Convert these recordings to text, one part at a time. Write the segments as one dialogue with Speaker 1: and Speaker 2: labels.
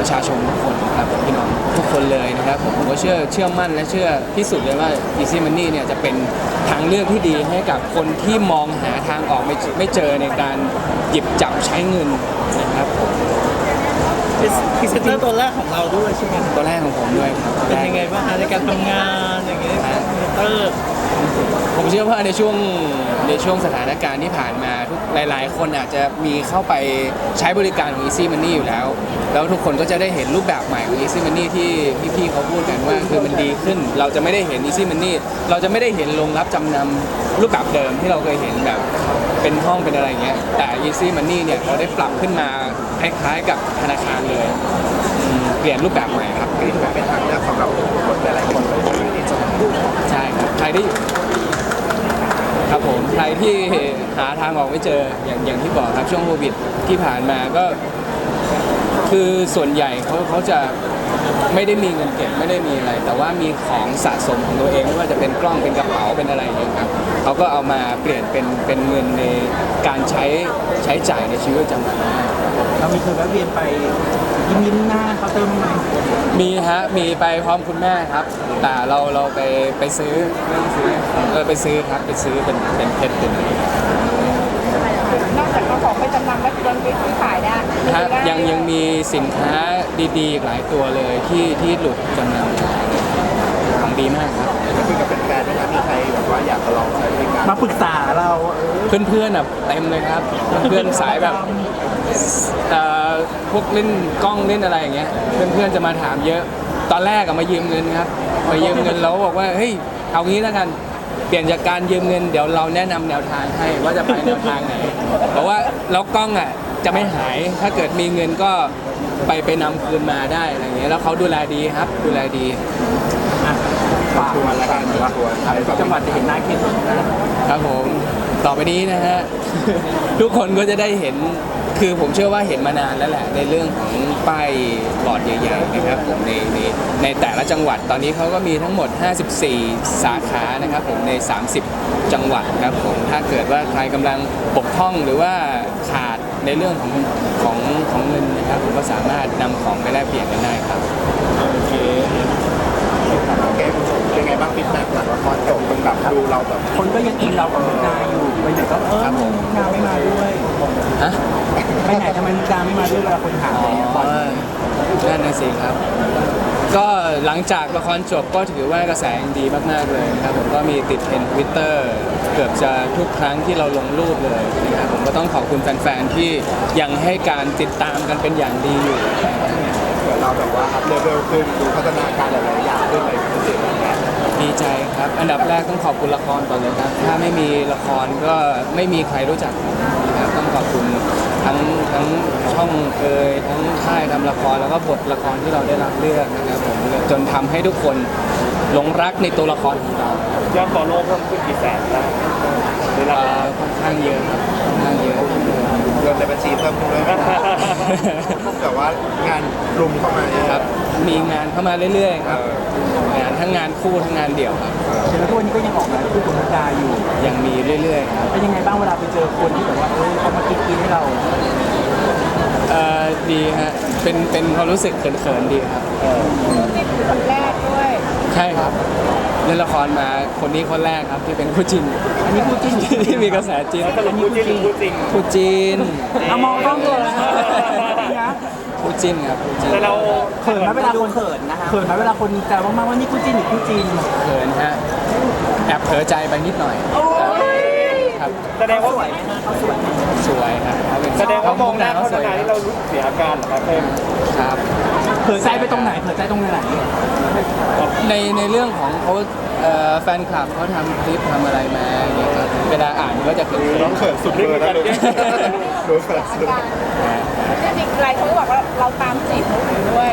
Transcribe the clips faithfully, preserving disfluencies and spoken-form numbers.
Speaker 1: ประชาชนทุกคนครับพี่น้องทุกคนเลยนะครับผมผมก็เชื่อเชื่อมั่นและเชื่อที่สุดเลยว่า Easy Money เนี่ยจะเป็นทางเลือกที่ดีให้กับคนที่มองหาทางออกไม่ไม่เจอในการหยิบจับใช้เงินนะครับผม
Speaker 2: พรีเซนเตอร์ตัวแรกของเราด้วยใช่ไหม
Speaker 1: ตัวแรกของผมด้วยครับ
Speaker 2: เป็นยังไงบ้างในการทำงานอย่างเงี้ยพรีเซนเตอร์
Speaker 1: ผมเชื่อว่าในช่วงในช่วงสถานการณ์ที่ผ่านมาทุกหลายๆ คนอาจจะมีเข้าไปใช้บริการของ Easy Money อยู่แล้วแล้วทุกคนก็จะได้เห็นรูปแบบใหม่ของ Easy Money ที่พี่ๆเขาพูดกันว่าคือมันดีขึ้นเราจะไม่ได้เห็น Easy Money เราจะไม่ได้เห็นโรงรับจำนำรูปแบบเดิมที่เราเคยเห็นแบบเป็นห้องเป็นอะไรเงี้ยแต่ Easy Money เนี่ยเขาได้ปรับขึ้นมาคล้ายๆกับธนาคารเลยเปลี่ยนรูปแบบใหม่ครับเป็นเป็นทางเลือกสำหรับคนหลายๆคนเลยที่จะใช่ครับใครที่ครับผมใครที่หาทางออกไม่เจออย่างอย่างที่บอกครับช่วงโควิดที่ผ่านมาก็คือส่วนใหญ่เขาเขาจะไม่ได้มีเงินเก็บไม่ได้มีอะไรแต่ว่ามีของสะสมของตัวเองไม่ว่าจะเป็นกล้องเป็นกระเป๋าเป็นอะไรอย่างเงี้ยครับเขาก็เอามาเปลี่ยนเป็นเป็นเงินในการใช้ใช้จ่ายในชีวิตประจำวัน
Speaker 2: เรามีเคยแวะเวียนไปยิ้มยิ้มหน้าเขาเติมไหม
Speaker 1: มีฮะมีไปพร้อมคุณแม่ครับแต่เราเราไปไปซื้อไม่ต้องซื้อเออไปซื้อครับไปซื้อเป็นเป็นเพชรเป็นอะไร
Speaker 3: นอกจากเอาของไปจำนำแล้วยังไปซื้อขายได้
Speaker 1: ฮะยังยังมีสินค้าดีๆอีกหลายตัวเลยที่ที่หลุดจำนำของดีมากครับ
Speaker 4: คุยกับแฟนๆนะครับมีใครแบบว่าอยากจะลองใช้บริการ
Speaker 2: มาปรึกษาเรา
Speaker 1: เพื่อนๆอ่ะเต็มเลยครับเพื่อนสายแบบเอ่อพวกเล่นกล้องเล่นอะไรอย่างเงี้ยเพื่อนๆจะมาถามเยอะตอนแรกอะมายืมเงินครับมายืมเงินแล้วบอกว่าเฮ้ยเอางี้แล้วกันเปลี่ยนจากการยืมเงินเดี๋ยวเราแนะนำแนวทางให้ว่าจะไปแนวทางไหนเพราะว่าแล้วกล้องอ่ะจะไม่หายถ้าเกิดมีเงินก็ไปไปนำคืนมาได้อะไรเงี้ยแล้วเขาดูแลดีครับดูแลดี
Speaker 2: ฝากมาแล้วกันว่าจังหวัดจะเห็นหน้าเคนนะครับ
Speaker 1: ผมต่อไปนี้นะฮ ะ ทุกคนก็จะได้เห็นคือผมเชื่อว่าเห็นมานานแล้วแหละในเรื่องของป้ายบอร์ดใหญ่ๆนะครับผมในในในแต่ละจังหวัดตอนนี้เขาก็มีทั้งหมดห้าสิบสี่สาขานะครับผมในสามสิบจังหวัดครับผมถ้าเกิดว่าใครกำลังบกพร่องหรือว่าขาดในเรื่องของของของเงินนะครับผมก็สามารถนำของไปแลกเปลี่ยนกันได้ครับ
Speaker 4: โอเคเกมเป็นไงบ้างฟีดแบ็กหลังละครจบมันแบบดูเราแบบ
Speaker 2: คนก็ยังอินเรากับมุกดาอยู่ไปไหนก็เออมุกดาไม่มาด้วย
Speaker 1: ฮะ
Speaker 2: ไปไหนทำไมมุกดาไม่มาด้วยเวลาคนถามอะไรเงี้ยบอล
Speaker 1: นั่นน่ะสิครับ ก็หลังจากละครจบก็ถือว่ากระแสดีมากๆเลยนะครับผมก็มีติดเทรนด์ทวิตเตอร์เกือบจะทุกครั้งที่เราลงรูปเลยนะครับผมก็ต้องขอบคุณแฟนๆที่ยังให้การติดตามกันเป็นอย่างดีอยู่
Speaker 4: เหมือนเราแบบว่าอัพเลเวลขึ้นดูพัฒนาการหลายๆอย่างขึ้นอะไรเป็นสิ่งแบบนี้
Speaker 1: ดีใจครับ อันดับแรกต้องขอบคุณละครก่อนเลยครับ ถ้าไม่มีละครก็ไม่มีใครรู้จักผมนะครับต้องขอบคุณทั้งทั้งช่องเอ่ยทั้งค่ายทำละครแล้วก็บทละครที่เราได้รับเลือกนะครับผมจนทำให้ทุกคนหลงรักในตัวละครของเรา
Speaker 5: ยอดฟอลโล่เพิ่มขึ้นกี่แสนได้เวลา
Speaker 1: เอ่อค่อนข้างเยอะครับค่อนข้างเยอะ
Speaker 4: เงินในบัญชีเพิ่มขึ้นด้วยแต่ว่างานรุมเข้ามาเยอะ
Speaker 1: ครับมีงานเข้ามาเรื่อยๆครับ
Speaker 4: เออ
Speaker 1: งานทั้งงานคู่ทั้งงานเดี่ยวครับ
Speaker 2: เห็นแล้วทุกวันนี้ก็ยังออกงานคู่กับมุกดาอยู่
Speaker 1: ยังมีเรื่อยๆครับ
Speaker 2: เป็นยังไงบ้างเวลาไปเจอคนที่แบบว่าเออเขามากินกินให้เรา
Speaker 1: เอ่อดีฮะเป็นเป็นความรู้สึกเขินๆดีครับ
Speaker 3: นี่คือคนแรกด้วย
Speaker 1: ใช่ครับเล่นละครมาคนนี้คนแรกครับที่เป็นคู่จิน
Speaker 2: อันนี้คู่จิ้น
Speaker 1: ที่มีกระแสจีน
Speaker 5: สรุปคู่จริงหรือคู่จริง
Speaker 1: คู่จีน
Speaker 2: เอามองกล้องเลยนะ
Speaker 1: คู่จินครับคู่จิน
Speaker 5: แต่เรา
Speaker 2: เขินไหมเวลาคนเขินนะคะเขินไหมเวลาคนแซวมากๆว่านี่คู่จิ้นหรือคู่จีน
Speaker 1: เขินฮะแอบเผลอใจไปนิดหน่อยครับ
Speaker 5: แสดงว่า
Speaker 1: สวยครับเขาเป็น
Speaker 5: แสดงว่ามองหน้า
Speaker 1: เขา
Speaker 5: เขา
Speaker 1: สวย
Speaker 5: นานที่เรารู้สึกเสียอาการเหรอครับเพิ่ม
Speaker 1: ครับ
Speaker 2: เขินใจไปตรงไหนเขินใจตรงไหน
Speaker 1: ในในเรื่องของเขาเอ่อแฟนคลับเขาทำคลิปทำอะไรมาอย่างเงี้ยครับเวลาอ่านก็จะเขิน
Speaker 4: น้องเขินสุดเลยนะลูกรู้เขินสุด
Speaker 3: จริงๆหลายคนก็บอกว่าเราตามจีบมุกอยู่ด้วย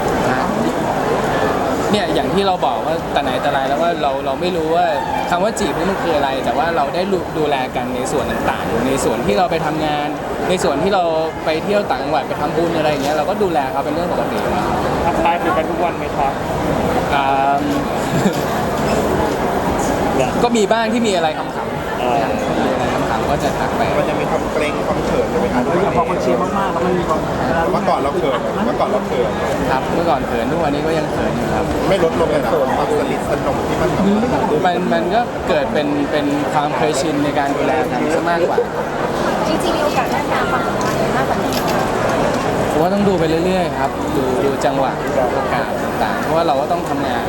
Speaker 1: เนี่ยอย่างที่เราบอกว่าแต่ไหนแต่ไรแล้วว่าเราเราไม่รู้ว่าคำว่าจีบนี่มันคืออะไร แต่ว่าเราได้ดูแลกันในส่วนต่างๆในส่วนที่เราไปทำงาน ในส่วนที่เราไปเที่ยวต่างจังหวัดไปทำบุญอะไรอย่างเงี้ยเราก็ดูแลเขาเป็นเรื่องปกตินะ
Speaker 5: ทักทายคุยกันทุกวันไหมครับ
Speaker 1: อ่า ก็มีบ้างที่มีอะไรขำ
Speaker 5: เออ
Speaker 1: มีอะไรถามๆก็จะทักไป
Speaker 4: มันจะมีความเกรงความเขินใช่ไหมครับ
Speaker 2: พอคนเชียร์มากๆแล้วมันมีความ
Speaker 4: เมื่อก่อนเราเขินเมื่อก่อนเราเขิน
Speaker 1: ครับเมื่อก่อนเขินทุกวันนี้ก็ยังเขินอยู่ครับ
Speaker 4: ไม่ลดลงเลยนะความสนิทสนมที่มันแบบว่า
Speaker 1: มันมันก็เกิดเป็นเป็นความเคยชินในการดูแลกันซะมากกว่า
Speaker 3: จริงๆมีโอกาสได้ทำความสัมพันธ์มากกว่านี้
Speaker 1: ผมว่าต้องดูไปเรื่อยๆครับดูดูจังหวะโอกาสต่างๆเพราะว่าเราก็ต้องทำงาน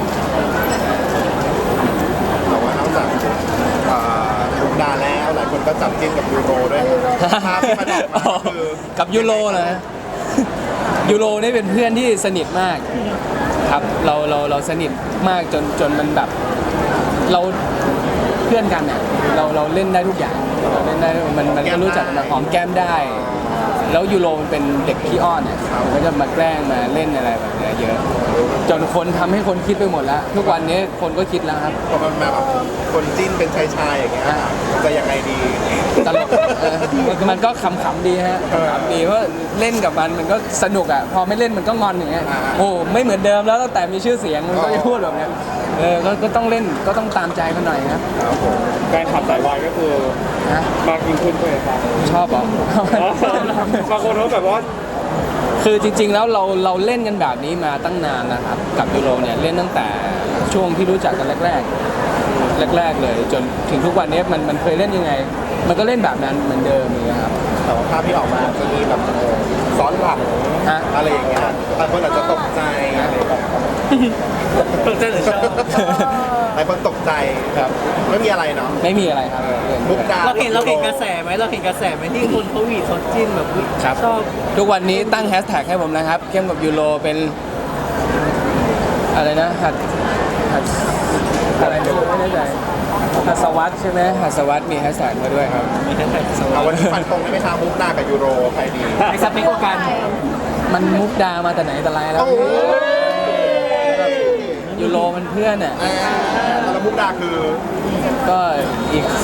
Speaker 4: แต่ว่านอกจากอ่าลุงดาแล้วหลายคนก็จับจิ้นกับยูโรด้วยภาพที่มันออกมาคือ
Speaker 1: กับยูโรนะ ยูโรนี่เป็นเพื่อนที่สนิทมากครับเราเราเราสนิทมากจนจนมันแบบเราเพื่อนกันเนี่ยเราเราเล่นได้ทุกอย่างเราเล่นได้มันมันก็รู้จักกันมาหอมแก้มได้ แล้วยูโรมันเป็นเด็กขี้อ้อนเนี่ยมันก็จะมาแกล้งมาเล่นอะไรแบบเนี้ยเยอะ จนคนทำให้คนคิดไปหมดแล้ว ทุกวันนี้คนก็คิดแล้วครับ
Speaker 4: พอมันมาแบบคนจิ้นเป็นชายชายๆอย่างเงี้ยจะยังไงดี
Speaker 1: ตลกเออมันก็ขำๆดีฮะขำๆดีเพราะเล่นกับมันมันก็สนุกอ่ะพอไม่เล่นมันก็งอนอย่างเงี้ย
Speaker 4: อ่า
Speaker 1: โอ้ไม่เหมือนเดิมแล้วตั้งแต่มีชื่อเสียงมันก็จะพูดแบบเนี้ยเออก็ก็ต้องเล่นก็ต้องตามใจมันหน่อยครับ
Speaker 4: ครับผม
Speaker 5: แฟนคลับสายวายก็คือ
Speaker 1: ฮะ
Speaker 5: มากยิ่งขึ้นด้วยครับ
Speaker 1: ชอบเหรอบ
Speaker 5: างคนเขาแบบว่า
Speaker 1: คือจริง ๆ แล้วเราเราเล่นกันแบบนี้มาตั้งนานนะครับกับยูโรเนี่ยเล่นตั้งแต่ช่วงที่รู้จักกันแรกๆแรก ๆ เลย จนถึงทุกวันนี้มันมันเคยเล่นยังไง มันก็เล่นแบบนั้นเหมือนเดิมเลยครับ
Speaker 4: แต่ว่าภาพที่ออกมาจะมีแบบเออซ้อนหลัง
Speaker 1: ฮะ
Speaker 4: อะไรอย่างเงี้ยหลายคนอาจจะตกใจอะไรแบบ
Speaker 5: ตกใจหรือชอบ
Speaker 4: หลายคนตกใจครับไม่มีอะไรเนาะ
Speaker 1: ไม่มีอะไรครับ
Speaker 4: มุกดา
Speaker 2: เราเห็นเราเห็นกระแสไหมเราเห็นกระแสไหมที่คนเขาหวีดเขาจิ้นแบบอุ๊ย
Speaker 1: ครับ
Speaker 2: ชอบ
Speaker 1: ทุกวันนี้ตั้งแฮชแท็กให้ผมนะครับเข้มกับยูโรเป็นอะไรนะหัดหัดอะไรไม่รู้ไม่แน่ใจหัสวัตใช่ไหมหัสวัตมีแฮชแท็กมาด้วยครับ
Speaker 4: เอาวันนี้ฟันตรงได้ไหมครับมุกดากับยูโรใครดี
Speaker 2: ไอ้สเปคโอกัน
Speaker 1: มันมุกดามาแต่ไหนแต่ไรแล้ว
Speaker 4: โอ้ย
Speaker 1: ยูโรมันเพื่อนอ่ะ
Speaker 4: แล้วมุกดาคือ
Speaker 1: ก็อีก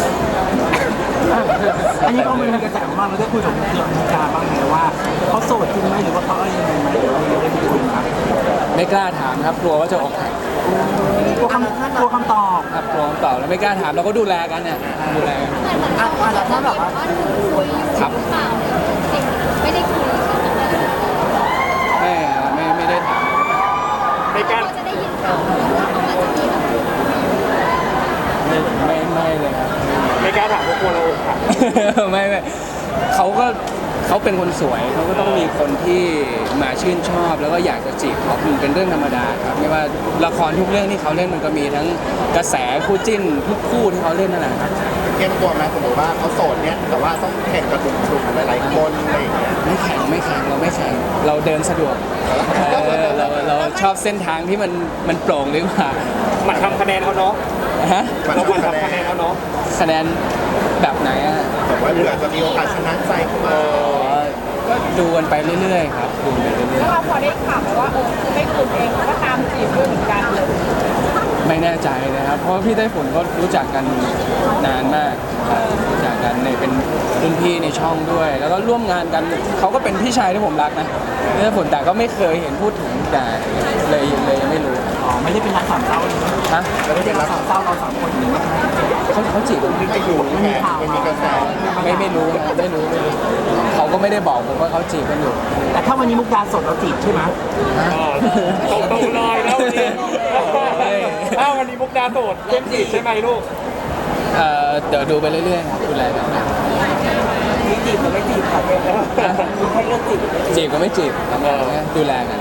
Speaker 2: อันนี้ก็มันมีกระแสมากเราได้คุยกับมุกดาบ้างไหมว่าเขาโสดจริงไหมหรือว่าเขาอะไรยังไงไหมหรือว่าเราได้คุยไหม
Speaker 1: ไม่กล้าถามครับกลัวว่าจะอกหัก
Speaker 2: กลัวคำกลัวคำตอบ
Speaker 1: ครับกลัวคำตอบแล้วไม่กล้าถามเราก็ดูแลกันเนี่ยดูแลกัน
Speaker 3: เหมือนเขาก็จะมีแบบว่าหนูคุยอยู่หรือเปล่าไม่ได้คุย
Speaker 1: ไม่ไม่ไม่ได้ถาม
Speaker 5: ในการ
Speaker 3: ก็จะได้ยินข่าวว่าเขาอาจจะมีแบบ
Speaker 1: ไม่ไม่ไม่เลยครับ
Speaker 5: ในการถามพวกคนเราอกหัก
Speaker 1: ไม่ไม่เขาก็เขาเป็นคนสวยเขาก็ต้องมีคนที่มาชื่นชอบ แล้วก็อยากจะจีบเขามันเป็นเรื่องธรรมดาครับไม่ว่าละครทุกเรื่องที่เขาเล่นมันก็มีทั้งกระแสคู่จิ้นทุกคู่ที่เขาเล่นนั่นแหละครับ
Speaker 4: เตรียมตัวไหมสมมติว่าเขาโสดเนี่ยแต่ว่าต้องแข่งกับหนุ่มๆหลายๆคนอะไรอย่างเงี้ย
Speaker 1: ไม่แข่งไม่แข่งเราไม่แข่งเราเดินสะดวกเออเราเราชอบเส้นทางที่มันมันโปร่งดีกว่า
Speaker 5: หมันทำคะแนนเขาเนาะ
Speaker 1: ฮะ
Speaker 4: มัน
Speaker 5: เราห
Speaker 4: ทำ
Speaker 5: มัน
Speaker 4: คะแน
Speaker 5: ทำคะแนน
Speaker 4: น
Speaker 5: เขาเนาะ
Speaker 1: คะแนนแบบไหนอ่ะ
Speaker 4: แบบว่าเผื่อจะมีโอกาสชนะใจเข้ามา
Speaker 1: อ๋อก็ดูกันไปเรื่อยๆครับดูไปเรื่อย
Speaker 3: แล้วเราพอได้ข่าวไปว่าเออคือไม่คุณเองเขาก็ตามจีบด้วยเหมือนกันเลย
Speaker 1: ๆไม่แน่ใจนะครับ เพราะว่าพี่ไต้ฝุ่นก็รู้จักกันนานมากรู้จักกันเนี่ยเป็นรุ่นพี่ในช่องด้วย แล้วก็ร่วมงานกันเขาก็เป็นพี่ชายที่ผมรักนะพี่ไต้ฝุ่นแต่ก็ไม่เคยเห็นพูดถึงแต่เลยเลยยังไม่รู้
Speaker 2: อ๋อไม่ได้เป็นรักสามเศร้าเลย
Speaker 1: ฮะ
Speaker 2: ไม่ได้รักสามเศร้าเราสามคนนี้
Speaker 1: เขาเขาจีบกัน
Speaker 4: ไม่รู้แค่มันมีกระแส
Speaker 1: ไม่ไม่รู้นะไม่รู้ไม่รู้เขาก็ไม่ได้บอกผมว่าเขาจีบกันอยู่
Speaker 2: แต่ถ้าวันนี้มุกดาสดเราจีบใช่ไหม
Speaker 5: ตรงตรงๆเลยแล้ววันนี้อ้าววันนี้มุกดาโสดเข้มจีบใช่ไหมลูก
Speaker 1: เอ่อเดี๋ยวดูไปเรื่อยๆครับดูแลกัน
Speaker 2: มีจีบหรือไม่จีบครับให้เลือกจีบ
Speaker 1: จีบก็ไม่จีบทำงานเนี่ยดูแลกัน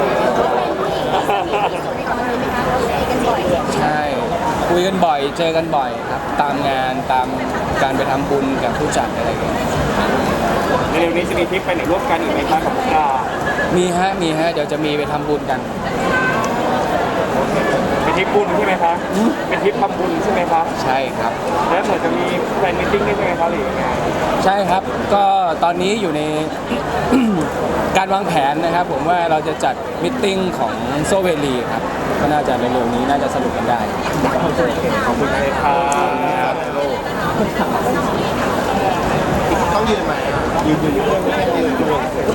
Speaker 1: ใช่ คุยกันบ่อยเจอกันบ่อยครับ ตามงานตามการไปทำบุญกับผู้จัดอะไรอย่างเงี้ย
Speaker 5: ในเร็วนี้จะมีทริปไปไหนร่วมกันอีกไหมคะกับมุกดา
Speaker 1: มีฮะมีฮะเดี๋ยวจะมีไปทำบุญกัน
Speaker 5: เป็นทริปบุญใช่ไหมคะเป็นทริปทำบุญใช่ไหมคะ
Speaker 1: ใช่ครับ
Speaker 5: แล้วเหมือนจะมีแฟนมิทติ้งด้วยใช่ไหมคะหรือยังไง
Speaker 1: ใช่ครับ ก็ตอนนี้อยู่ใน การวางแผนนะครับ ผมว่าเราจะจัดมิทติ้งของโซเวลีครับ ก็น่าจะเร็วๆนี้น่าจะสนุกกันได้
Speaker 5: ขอบคุณเลยค่ะ
Speaker 4: ต้องยืนไหมยืนยืนยืนยืน